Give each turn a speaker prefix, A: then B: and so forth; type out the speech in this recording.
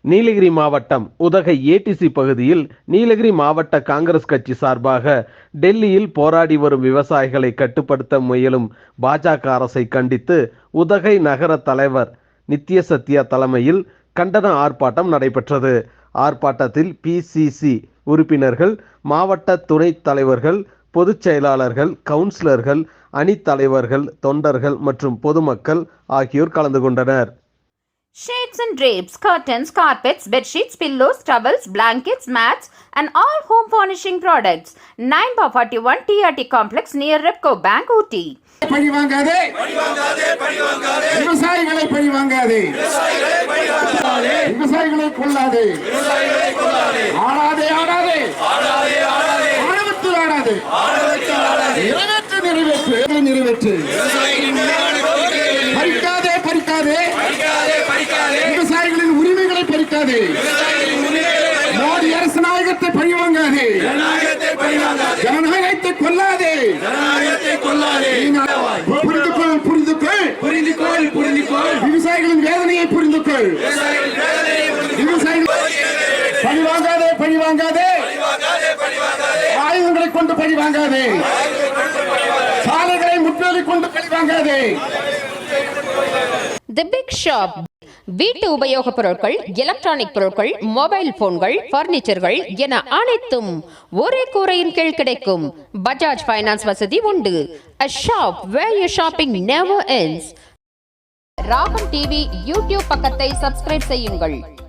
A: நீலகிரி மாவட்டம் உதகை ஏடிசி பகுதியில் நீலகிரி மாவட்ட காங்கிரஸ் கட்சி சார்பாக டெல்லியில் போராடி வரும் விவசாயிகளை கட்டுப்படுத்த முயலும் பாஜக அரசை கண்டித்து உதகை நகர தலைவர் நித்ய சத்யா தலைமையில் கண்டன ஆர்ப்பாட்டம் நடைபெற்றது. ஆர்ப்பாட்டத்தில் பிசிசி உறுப்பினர்கள், மாவட்ட துணைத் தலைவர்கள், பொதுச் செயலாளர்கள், கவுன்சிலர்கள், அணித் தலைவர்கள், தொண்டர்கள் மற்றும் பொதுமக்கள் ஆகியோர் கலந்து கொண்டனர்.
B: Shades and drapes, curtains, carpets, bedsheets, pillows, towels, blankets, mats and all home furnishing products. 9/41 TRT Complex near Repco Bank, Ooty.
C: பழிவாங்காதே விவசாயிகளை பழிவாங்காதே, விவசாயிகளை கொல்லாதே, ஆடாதே ஆடாதே, ஆணவத்தில் ஆடாதே, நிறைவேற்று நிறைவேற்று, பறிக்காதே பறிக்காதே, விவசாயிகளின் உரிமைகளை பறிக்காதே, மோடி அரசு நாயகத்தை பழிவாங்காதே, ஜனநாயகத்தை கொல்லாதே, புரிந்துகொள், விவசாயிகளின் வேதனையை புரிந்துகொள், பழிவாங்காதே பழிவாங்காதே, ஆயுதங்களை கொண்டு பழிவாங்காதே, சாலைகளை முற்றுகை கொண்டு பழிவாங்காதே.
B: The Big Shop வீட்டு உபயோகப் பொருட்கள், எலக்ட்ரானிக் பொருட்கள், மொபைல் போன்கள், பர்னிச்சர்கள் என அனைத்தும் ஒரே கூரையின் கீழ் கிடைக்கும். பஜாஜ் ஃபைனான்ஸ் வசதி உண்டு. A shop where your shopping never ends. Ragam TV YouTube பக்கத்தை சப்ஸ்கிரைப் செய்யுங்கள்.